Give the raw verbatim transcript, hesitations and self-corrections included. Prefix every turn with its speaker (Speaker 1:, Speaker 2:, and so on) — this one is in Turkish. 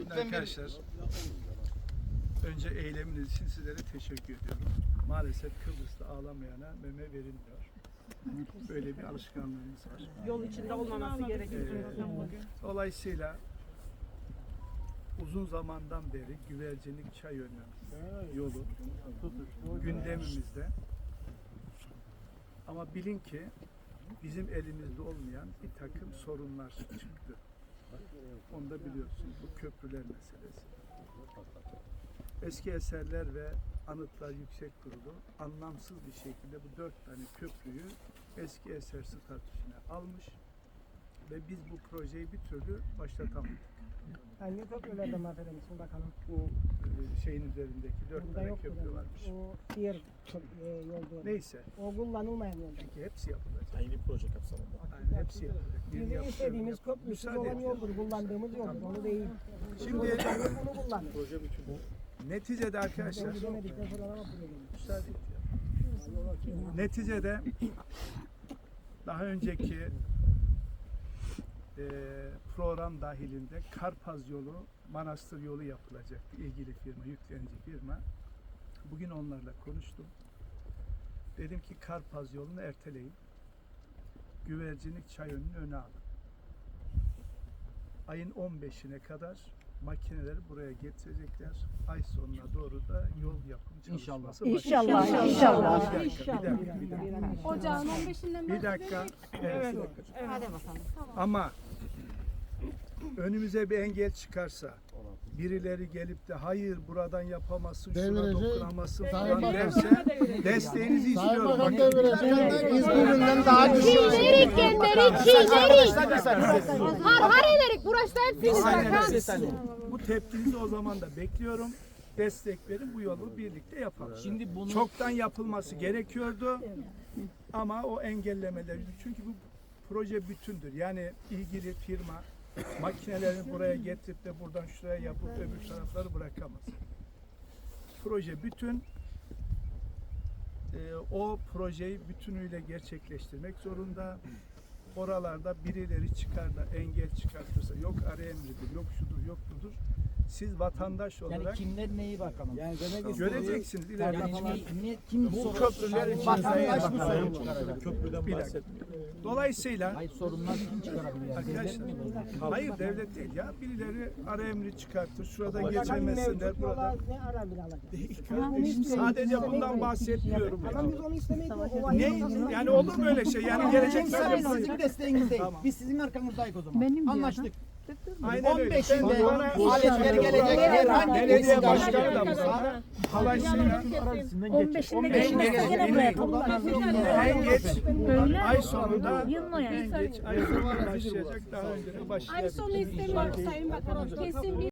Speaker 1: Şimdi arkadaşlar, önce eyleminiz için sizlere teşekkür ediyorum. Maalesef Kıbrıs'ta ağlamayana meme verilmiyor. Böyle bir alışkanlığımız var.
Speaker 2: Yol içinde olmaması gerekiyor.
Speaker 1: Ee, dolayısıyla uzun zamandan beri Güvercinlik Çayönü yolu gündemimizde. Ama bilin ki bizim elimizde olmayan bir takım sorunlar çıktı. Onu da biliyorsunuz. Bu köprüler meselesi. Eski Eserler ve Anıtlar Yüksek Kurulu anlamsız bir şekilde bu dört tane köprüyü eski eser statüsüne almış ve biz bu projeyi bir türlü başlatamadık.
Speaker 3: Hangi köprülerde mahveder misin bakalım?
Speaker 1: Bu e, şeyin üzerindeki dört
Speaker 3: Burada
Speaker 1: tane
Speaker 3: yok
Speaker 1: köprü
Speaker 3: burada.
Speaker 1: varmış.
Speaker 3: O diğer köp- e, yol diyor.
Speaker 1: Neyse.
Speaker 3: O kullanılmayan yolda.
Speaker 1: Peki hepsi yapılacak.
Speaker 4: Aynı proje kapsamında.
Speaker 1: Yani hepsi yapılacak. Birini
Speaker 3: Bizim
Speaker 1: yapıyorum,
Speaker 3: istediğimiz
Speaker 1: yap-
Speaker 3: köprüsüz
Speaker 1: Müsaade
Speaker 3: olan
Speaker 1: et.
Speaker 3: yoldur. Kullandığımız yoldur. Onu değil.
Speaker 1: Şimdi
Speaker 3: Bunu kullanır.
Speaker 4: Proje bütün bu.
Speaker 1: neticede arkadaşlar
Speaker 3: Gidemedikten sonra ama buraya geldik.
Speaker 1: müsaade et ya. Neticede daha önceki e, program dahilinde Karpaz yolu, Manastır yolu yapılacaktı. İlgili firma, yüklenici firma. Bugün onlarla konuştum. Dedim ki Karpaz yolunu erteleyin. Güvercinlik Çayönü'nün önüne alın. Ayın on beşine kadar makineleri buraya getirecekler. Ay sonuna doğru da yol yapım çalışması
Speaker 5: İnşallah.
Speaker 1: başlayacak.
Speaker 5: İnşallah.
Speaker 1: Bir dakika, bir dakika, bir dakika.
Speaker 5: Ocağın on beşinden
Speaker 1: Bir dakika. Evet.
Speaker 5: Hadi bakalım.
Speaker 1: Ama önümüze bir engel çıkarsa, birileri gelip de hayır buradan yapamazsın, şuna
Speaker 6: Devirecek.
Speaker 1: dokunamazsın
Speaker 6: Sayın
Speaker 1: falan
Speaker 6: Bakan.
Speaker 1: derse desteğinizi
Speaker 6: Sayın
Speaker 1: istiyorum.
Speaker 6: Bakan
Speaker 1: Bakın.
Speaker 6: devirecek. İzmir'inden daha düşük.
Speaker 5: Çiğnerik genleri çiğnerik. Har har ederik. Burası da hepsiniz
Speaker 1: Aynen
Speaker 5: bakın.
Speaker 1: öyle. Bu tepkinizi o zaman da bekliyorum. Destek verin, bu yolu birlikte yapalım.
Speaker 4: Şimdi bunu
Speaker 1: Çoktan yapılması gerekiyordu ama o engellemeler, çünkü bu proje bütündür. Yani ilgili firma makinelerini buraya getirip de buradan şuraya yapıp öbür tarafları bırakamaz. Proje bütün. Ee, o projeyi bütünüyle gerçekleştirmek zorunda. Oralarda birileri çıkar da engel çıkartırsa, yok ara emridir, yok şudur, yok budur. Siz vatandaş
Speaker 4: yani
Speaker 1: olarak
Speaker 4: kimler neyi bakalım? Yani demek
Speaker 1: göreceksiniz ileride.
Speaker 4: yani ne, ne, kim
Speaker 1: Bu
Speaker 4: sorun-
Speaker 1: köprüler için
Speaker 4: vatandaş mı
Speaker 1: Sayın
Speaker 4: sorun
Speaker 1: Bakan.
Speaker 4: çıkaracak? Köprüden
Speaker 1: Bir dakika.
Speaker 4: bahsetmiyor.
Speaker 1: Dolayısıyla
Speaker 4: Hayır, sorunlar kim çıkarabilir? Yani devlet
Speaker 1: arkadaşlar,
Speaker 4: mi bu?
Speaker 1: hayır devlet değil ya, birileri ara emri çıkartır, şuradan
Speaker 3: Bakanın
Speaker 1: geçemezsinler,
Speaker 3: mevcut
Speaker 1: burada.
Speaker 3: yola ne ara bile alacak?
Speaker 1: Değil kardeşim, sadece bundan bahsetmiyorum ya.
Speaker 3: Ama biz onu istemeyiz.
Speaker 1: Ne? Yani olur mu öyle şey? Yani gelecek
Speaker 7: Bizim
Speaker 1: sene
Speaker 7: sizin desteğinizdeyiz.
Speaker 1: Tamam.
Speaker 7: Biz sizin arkanızdayız o zaman.
Speaker 5: Benim
Speaker 7: Anlaştık.
Speaker 1: aynen öyle.
Speaker 7: on beşinde
Speaker 1: Ben bana-
Speaker 7: aletleri gelecek herhangi bir
Speaker 1: Belediye
Speaker 7: isim
Speaker 1: başkanı da
Speaker 7: olursa
Speaker 1: burada. Dolayısıyla
Speaker 5: on beşinde geçmezse gene buraya toplanalım.
Speaker 1: en geç
Speaker 5: Böyle
Speaker 1: ay sonunda
Speaker 5: yılın o yani.
Speaker 1: en geç ay sonunda başlayacak, daha önce de
Speaker 8: Ay
Speaker 1: başlayabilir.
Speaker 8: sonu istemiyoruz Sayın Bakanım. Kesin bir